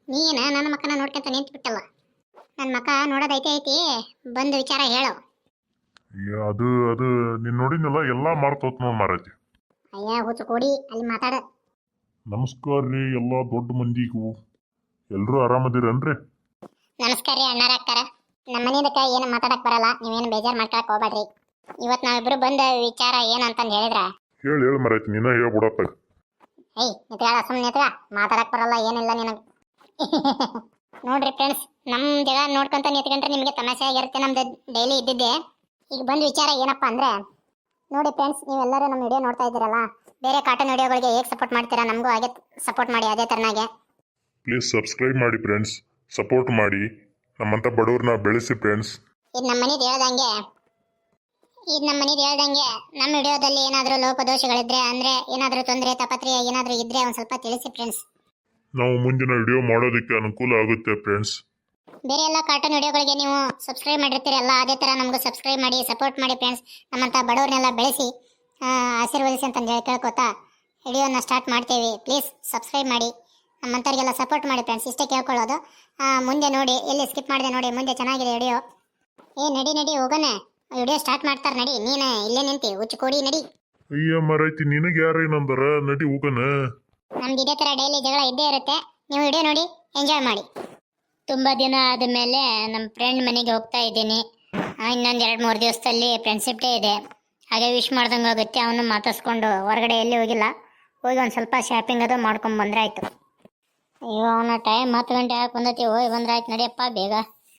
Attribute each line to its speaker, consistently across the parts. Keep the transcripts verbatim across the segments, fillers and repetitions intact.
Speaker 1: ನೀನ ನನ್ನ ಮಕ್ಕನ ನೋಡ್ಕೊಂತ ನಿಂತು ಬಿಟ್ಟಲ್ಲ. ನನ್ನ ಮಕ್ಕ ನೋಡೋದೈತೆ ಐತಿ, ಬಂದು ವಿಚಾರ ಹೇಳು.
Speaker 2: ಏ, ಅದು ಅದು ನೀನ್ ನೋಡಿದ್ನಲ್ಲ ಎಲ್ಲಾ ಮಾರ್ತೋತ್ ನೋಡ್ ಮಾರೈತಿ.
Speaker 1: ಅಯ್ಯ ಹುಚ್ಚು ಕೊಡಿ, ಅಲ್ಲಿ ಮಾತಾಡ.
Speaker 2: ನಮಸ್ಕಾರ ರೀ ಎಲ್ಲಾ ದೊಡ್ಡ ಮಂದಿಗೂ. ಎಲ್ರೂ ಆರಾಮದಿರನ್ರಿ?
Speaker 1: ನಮಸ್ಕಾರ ರೀ ಅಣ್ಣಾರ ಅಕ್ಕಾರ. ನಮ್ಮ ಮನೆಯದಕ್ಕ ಏನು ಮಾತಾಡಕ್ ಬರಲ್ಲ, ನೀವೇನು ಬೇಜಾರು ಮಾಡ್ಕೊಳಕ್ ಹೋಗ್ಬೇಡ್ರಿ. ಇವತ್ತು ನಾವಿಬ್ರು ಬಂದ ವಿಚಾರ ಏನಂತಂದು ಹೇಳಿದ್ರ
Speaker 2: ಹೇಳಿ ಹೇಳಿ ಮಾರೈತಿ, ನೀನ ಹೇಳ್ಬಿಡತ್ತ.
Speaker 1: ಏಯ್ ನಿತ್ಯಾಳ ಸುಮ್ಮನೆ ನಿತ್ಯ, ಮಾತಾಡಕ್ ಬರಲ್ಲ ಏನಿಲ್ಲ ನಿನಗೆ. ನೋಡ್ರಿ ಫ್ರೆಂಡ್ಸ್, ನಮ್ಮ ಜಗ ನೋಡ್ಕೊಂತ ನಿಂತ್ಕೊಂಡ್ರೆ ನಿಮಗೆ ತಮಾಷೆ ಆಗಿರುತ್ತೆ. ನಮ್ದು ಡೈಲಿ ಇದ್ದಿದ್ದೆ. ಈಗ ಬಂದ ವಿಚಾರ ಏನಪ್ಪ ಅಂದ್ರೆ, ನೋಡಿ ಫ್ರೆಂಡ್ಸ್, ನೀವೆಲ್ಲರೂ ನಮ್ಮ ವಿಡಿಯೋ ನೋಡ್ತಾ ಇದ್ದೀರಲ್ಲ, ಬೇರೆ ಕಾರ್ಟೂನ್ ವಿಡಿಯೋಗಳಿಗೆ ಹೇಗೆ ಸಪೋರ್ಟ್ ಮಾಡ್ತೀರಾ ನಮಗೂ ಹಾಗೆ ಸಪೋರ್ಟ್ ಮಾಡಿ, ಅದೇ ತರನಾಗೆ.
Speaker 2: ಪ್ಲೀಸ್ ಸಬ್ಸ್ಕ್ರೈಬ್ ಮಾಡಿ ಫ್ರೆಂಡ್ಸ್, ಸಪೋರ್ಟ್ ಮಾಡಿ, ನಮ್ಮಂತ ಬಡವ್ರನ್ನ ಬೆಳೆಸಿ ಫ್ರೆಂಡ್ಸ್.
Speaker 1: ಇದು ನಮ್ಮ ಮನೇದು ಹೇಳ್ದಂಗೆ ಇದು ನಮ್ಮ ಮನೇದು ಹೇಳ್ದಂಗೆ ನಮ್ಮ ವಿಡಿಯೋದಲ್ಲಿ ಏನಾದರೂ ಲೋಪದೋಷಗಳಿದ್ರೆ ಅಂದ್ರೆ ಏನಾದರೂ ತೊಂದರೆ ತಪತ್ರೆ ಏನಾದರೂ ಇದ್ರೆ ಒಂದು ಸ್ವಲ್ಪ ತಿಳಿಸಿ ಫ್ರೆಂಡ್ಸ್.
Speaker 2: ನಾವು ಮುಂದಿನ ವಿಡಿಯೋ ಮಾಡೋದಕ್ಕೆ ಅನುಕೂಲ ಆಗುತ್ತೆ ಫ್ರೆಂಡ್ಸ್.
Speaker 1: ಬೇರೆ ಎಲ್ಲ ಕಾರ್ಟೂನ್ ವಿಡಿಯೋಗಳಿಗೆ ನೀವು ಸಬ್ಸ್ಕ್ರೈಬ್ ಮಾಡಿರ್ತೀರಲ್ಲ, ಅದೇ ಥರ ನಮಗೂ ಸಬ್ಸ್ಕ್ರೈಬ್ ಮಾಡಿ ಸಪೋರ್ಟ್ ಮಾಡಿ ಫ್ರೆಂಡ್ಸ್. ನಮ್ಮಂಥ ಬಡವ್ರನ್ನೆಲ್ಲ ಬೆಳೆಸಿ ಆಶೀರ್ವದಿಸಿ ಅಂತ ಹೇಳಿ ಕೇಳ್ಕೊತಾ ವಿಡಿಯೋನ ಸ್ಟಾರ್ಟ್ ಮಾಡ್ತೇವೆ. ಪ್ಲೀಸ್ ಸಬ್ಸ್ಕ್ರೈಬ್ ಮಾಡಿ, ನಮ್ಮಂಥವ್ರಿಗೆಲ್ಲ ಸಪೋರ್ಟ್ ಮಾಡಿ ಫ್ರೆಂಡ್ಸ್, ಇಷ್ಟೇ ಕೇಳ್ಕೊಳ್ಳೋದು. ಮುಂದೆ ನೋಡಿ, ಎಲ್ಲಿ ಸ್ಕಿಪ್ ಮಾಡಿದೆ ನೋಡಿ, ಮುಂದೆ ಚೆನ್ನಾಗಿದೆ ವಿಡಿಯೋ. ಏ ನಡಿ ನಡಿ ಹೋಗೋಣ, ವಿಡಿಯೋ ಸ್ಟಾರ್ಟ್ ಮಾಡ್ತಾರೆ ನಡಿ. ನೀನು ಇಲ್ಲೇ ನಿಂತಿ ಹುಚ್ಚು ಕೊಡಿ, ನಡಿ.
Speaker 2: ಅಯ್ಯ ಮರೈತಿ, ನಿನಗೆ ಯಾರೇನಂದಾರ? ನಡಿ ಹೋಗೋಣ.
Speaker 1: ನಮ್ದು ಇದೇ ಥರ ಡೈಲಿ ಜಗಳ ಇದ್ದೇ ಇರುತ್ತೆ. ನೀವು ವಿಡಿಯೋ ನೋಡಿ ಎಂಜಾಯ್ ಮಾಡಿ. ತುಂಬ ದಿನ ಆದಮೇಲೆ ನಮ್ಮ ಫ್ರೆಂಡ್ ಮನೆಗೆ ಹೋಗ್ತಾ ಇದ್ದೀನಿ. ಇನ್ನೊಂದು ಎರಡು ಮೂರು ದಿವಸದಲ್ಲಿ ಫ್ರೆಂಡ್ಶಿಪ್ ಡೇ ಇದೆ, ಹಾಗೆ ವಿಶ್ ಮಾಡ್ದಂಗೆ ಆಗುತ್ತೆ. ಅವನು ಮಾತಾಡ್ಸ್ಕೊಂಡು ಹೊರಗಡೆ ಎಲ್ಲಿ ಹೋಗಿಲ್ಲ, ಹೋಗಿ ಒಂದು ಸ್ವಲ್ಪ ಶಾಪಿಂಗ್ ಅದು ಮಾಡ್ಕೊಂಡು ಬಂದ್ರೆ ಆಯಿತು. ಅಯ್ಯೋ ಅವನ ಟೈಮ್ ಹತ್ತು ಗಂಟೆ ಹಾಕಿ ಬಂದೈತಿ, ಹೋಗಿ ಬಂದ್ರೆ ಆಯ್ತು ನಡಿಯಪ್ಪ ಬೇಗ.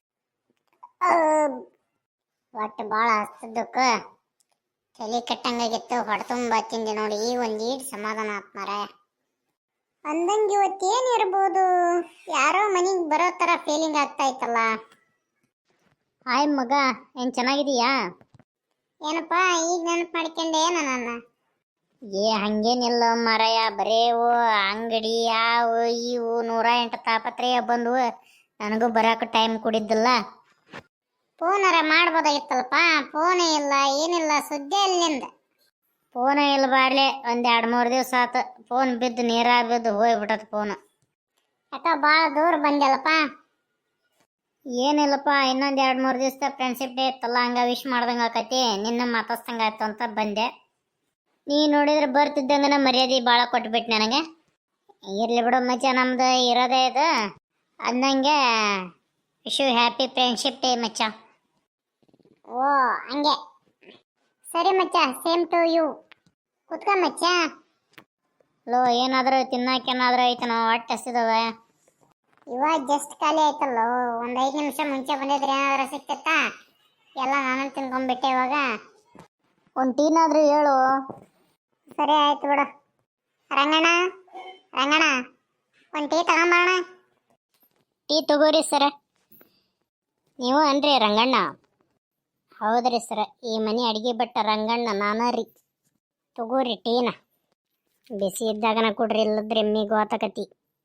Speaker 1: ಒಟ್ಟು ಭಾಳ ಹಸ್ತದಕ್ಕೆ ತಲೆ ಕೆಟ್ಟಂಗಾಗಿತ್ತು, ಹೊಡೆ ತುಂಬ ತಿಂದೆ ನೋಡಿ. ಈ ಒಂದು ಈಡ್ ಸಮಾಧಾನ ಆತ್ ಮಾರಾಯ. ಅಂದಂಗೆ ಇವತ್ತೇನಿರ್ಬೋದು, ಯಾರೋ ಮನೆಗೆ ಬರೋ ಥರ ಫೀಲಿಂಗ್ ಆಗ್ತಾ ಇತ್ತಲ್ಲ. ಹಾಯ್ ಮಗ, ಏನು ಚೆನ್ನಾಗಿದೀಯಾ? ಏನಪ್ಪ ಈಗ ನೆನಪು ಮಾಡ್ಕೊಂಡೆ ಏನ ನನ್ನ? ಏ ಹಂಗೇನಿಲ್ಲ ಮಾರಾಯ, ಬರೇ ಅಂಗಡಿ ಯಾವು ಇವು ನೂರ ಎಂಟು ತಾಪತ್ರೆಯ ಬಂದವು, ನನಗೂ ಬರೋಕೆ ಟೈಮ್ ಕೊಡಿದ್ದಿಲ್ಲ. ಫೋನರ ಮಾಡ್ಬೋದಾಗಿತ್ತಲ್ಪ, ಫೋನೇ ಇಲ್ಲ ಏನಿಲ್ಲ, ಸುದ್ದಿ ಅಲ್ಲಿಂದ. ಫೋನೇ ಇಲ್ಲ ಬಾರ್ಲೆ, ಒಂದು ಎರಡು ಮೂರು ದಿವಸ ಆತು ಫೋನ್ ಬಿದ್ದು ನೀರಾಗ ಬಿದ್ದು ಹೋಗ್ಬಿಟ್ಟದ ಫೋನ್. ಯಾಕ ಭಾಳ ದೂರ ಬಂದಲ್ಲಪ್ಪ? ಏನಿಲ್ಲಪ್ಪ, ಇನ್ನೊಂದು ಎರಡು ಮೂರು ದಿವಸ ಫ್ರೆಂಡ್ಶಿಪ್ ಡೇ ಇತ್ತಲ್ಲ, ಹಂಗೆ ವಿಶ್ ಮಾಡ್ದಂಗೆ ಆಕತಿ, ನಿನ್ನ ಮಾತಾಡ್ಸಂಗೆ ಆಯ್ತು ಅಂತ ಬಂದೆ. ನೀ ನೋಡಿದ್ರೆ ಬರ್ತಿದ್ದಂಗನ ಮರ್ಯಾದೆ ಭಾಳ ಕೊಟ್ಬಿಟ್ಟು ನನಗೆ. ಇರಲಿ ಬಿಡು ಮಚ್ಚ, ನಮ್ದು ಇರೋದೇ ಇದು. ಅಂದಂಗೆ wish you happy friendship day ಮಚ್ಚ. ಓ ಹಂಗೆ, ಸರಿ ಮಚ್ಚ, ಸೇಮ್ ಟು ಯು. ಕುತ್ಕ ಮಚ್ಚ. ಲೋ ಏನಾದರೂ ತಿನ್ನಕ್ಕೇನಾದರೂ ಐತನೋ, ಹೊಟ್ಟೆ ಹಸಿದವೆ. ಇವಾಗ ಜಸ್ಟ್ ಖಾಲಿ ಆಯ್ತಲ್ಲೋ, ಒಂದು ಐದು ನಿಮಿಷ ಮುಂಚೆ ಬಂದಿದ್ರೆ ಏನಾದರೂ ಸಿಕ್ತಿತ್ತಾ? ಎಲ್ಲ ನಾನು ತಿನ್ಕೊಂಡ್ಬಿಟ್ಟೆ. ಇವಾಗ ಒಂದು ಟೀನಾದರೂ ಹೇಳು. ಸರಿ ಆಯ್ತು ಬಿಡು. ರಂಗಣ್ಣ ರಂಗಣ್ಣ ಒಂದು ಟೀ ತಗೊಂಬರೋಣ. ಟೀ ತಗೋರಿ ಸರ. ನೀವು ಅನ್ರಿ ರಂಗಣ್ಣ? ಹೌದ್ರಿ ಸರ, ಈ ಮನೆ ಅಡುಗೆ ಬಟ್ಟ ರಂಗಣ್ಣ ನಾನ ರೀ. ತಗೋರಿ ಟೀನ, ಬಿಸಿ ಇದ್ದಾಗನ ಕೊಡ್ರಿ, ಇಲ್ಲದ್ರೆ ಎಮ್ಮಿಗೂ ಆತಕತಿ.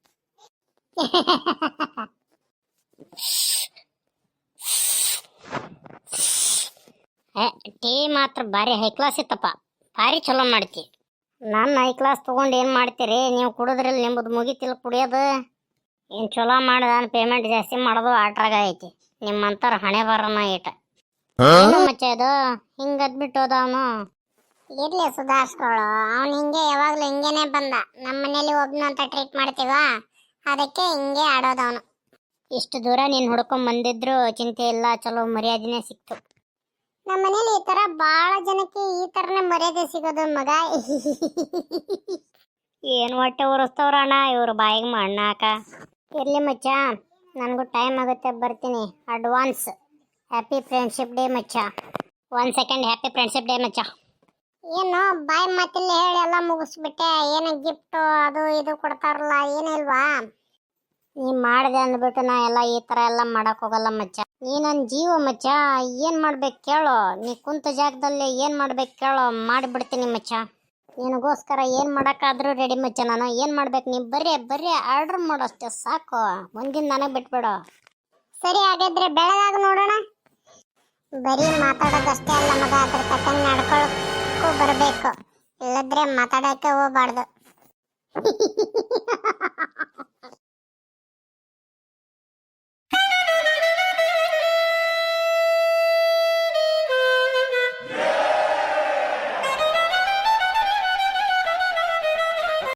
Speaker 1: ಟೀ ಮಾತ್ರ ಭಾರಿ ಹೈ ಕ್ಲಾಸ್ ಇತ್ತಪ್ಪ, ಭಾರಿ ಚಲೋ ಮಾಡ್ತಿ. ನಾನು ಹೈ ಕ್ಲಾಸ್ ತೊಗೊಂಡು ಏನು ಮಾಡ್ತೀರಿ, ನೀವು ಕುಡಿದ್ರಲ್ಲಿ ನಿಮ್ಮದು ಮುಗಿತಿಲ್ಲ ಕುಡಿಯೋದು. ಏನು ಚಲೋ ಮಾಡ್ದ, ಪೇಮೆಂಟ್ ಜಾಸ್ತಿ ಮಾಡೋದು ಆಟ್ರಾಗ ಐತಿ. ನಿಮ್ಮಂಥವ್ರ ಹಣೆ ಬರೋಣ ಈಟ. ಮಚ್ಚ ಇದು ಹಿಂಗೆ ಅದ್ಬಿಟ್ಟು ಹೋದ ಅವನು. ಇರ್ಲಿ ಸುಧಾರಿಸ್ಕೊಳ್ಳೋ, ಅವನು ಹಿಂಗೆ ಯಾವಾಗಲೂ ಹಿಂಗೇನೆ ಬಂದ. ನಮ್ಮ ಮನೇಲಿ ಒಬ್ನು ಅಂತ ಟ್ರೀಟ್ ಮಾಡ್ತೀವ, ಅದಕ್ಕೆ ಹಿಂಗೆ ಆಡೋದವನು. ಇಷ್ಟು ದೂರ ನೀನು ಹುಡ್ಕೊಂಡ್ ಬಂದಿದ್ರು ಚಿಂತೆ ಇಲ್ಲ, ಚಲೋ ಮರ್ಯಾದೆನೇ ಸಿಕ್ತು. ನಮ್ಮ ಮನೇಲಿ ಈ ಥರ ಭಾಳ ಜನಕ್ಕೆ ಈ ಥರನೇ ಮರ್ಯಾದೆ ಸಿಗೋದು ಮಗ. ಏನು ಹೊಟ್ಟೆ ಉರಿಸ್ತವ್ರ ಅಣ್ಣ ಇವರು ಬಾಯಿಗೆ ಮಣ್ಣಾಕ. ಇರ್ಲಿ ಮಚ್ಚ, ನನಗೂ ಟೈಮ್ ಆಗುತ್ತೆ, ಬರ್ತೀನಿ. ಅಡ್ವಾನ್ಸ್ ಹ್ಯಾಪಿ ಫ್ರೆಂಡ್ಶಿಪ್ ಡೇ ಮಚ್ಚ. One second, happy friendship day ಮಚ್ಚ. ಏನು ಬಾಯಿ ಮಾತಿಲ್ಲ ಹೇಳಿ ಎಲ್ಲ ಮುಗಿಸ್ಬಿಟ್ಟೆ. ಏನು ಗಿಫ್ಟು ಅದು ಇದು ಕೊಡ್ತಾರಲ್ಲ, ಏನಿಲ್ವಾ? ನೀ ಮಾಡಿದೆ ಅಂದ್ಬಿಟ್ಟು ನಾ ಎಲ್ಲ ಈ ಥರ ಎಲ್ಲ ಮಾಡಕ್ ಹೋಗಲ್ಲ ಮಚ್ಚ. ನೀ ನನ್ನ ಜೀವ ಮಚ್ಚ, ಏನು ಮಾಡ್ಬೇಕು ಕೇಳೋ? ನೀ ಕುಂತ ಜಾಗದಲ್ಲಿ ಏನು ಮಾಡ್ಬೇಕು ಕೇಳೋ, ಮಾಡಿಬಿಡ್ತೀನಿ ಮಚ್ಚ. ನಿನಗೋಸ್ಕರ ಏನು ಮಾಡೋಕ್ಕಾದ್ರೂ ರೆಡಿ ಮಚ್ಚ. ನಾನು ಏನು ಮಾಡ್ಬೇಕು, ನೀ ಬರ್ರಿ ಬರ್ರಿ ಆರ್ಡ್ರ್ ಮಾಡೋಷ್ಟೇ ಸಾಕು, ಮುಂದಿನ ನನಗೆ ಬಿಟ್ಬಿಡು. ಸರಿ ಹಾಗಾದ್ರೆ ಬೆಳಗಾಗ ನೋಡೋಣ. ಬರೀ ಮಾತಾಡೋದಷ್ಟೇ ಅಲ್ಲ ಮಗ, ಅದ್ರ ತಕ್ಕಂಗೆ ನಡ್ಕೊಳಕ್ಕೂ ಬರಬೇಕು, ಇಲ್ಲದ್ರೆ ಮಾತಾಡೋಕ್ಕೆ ಹೋಗ್ಬಾರ್ದು.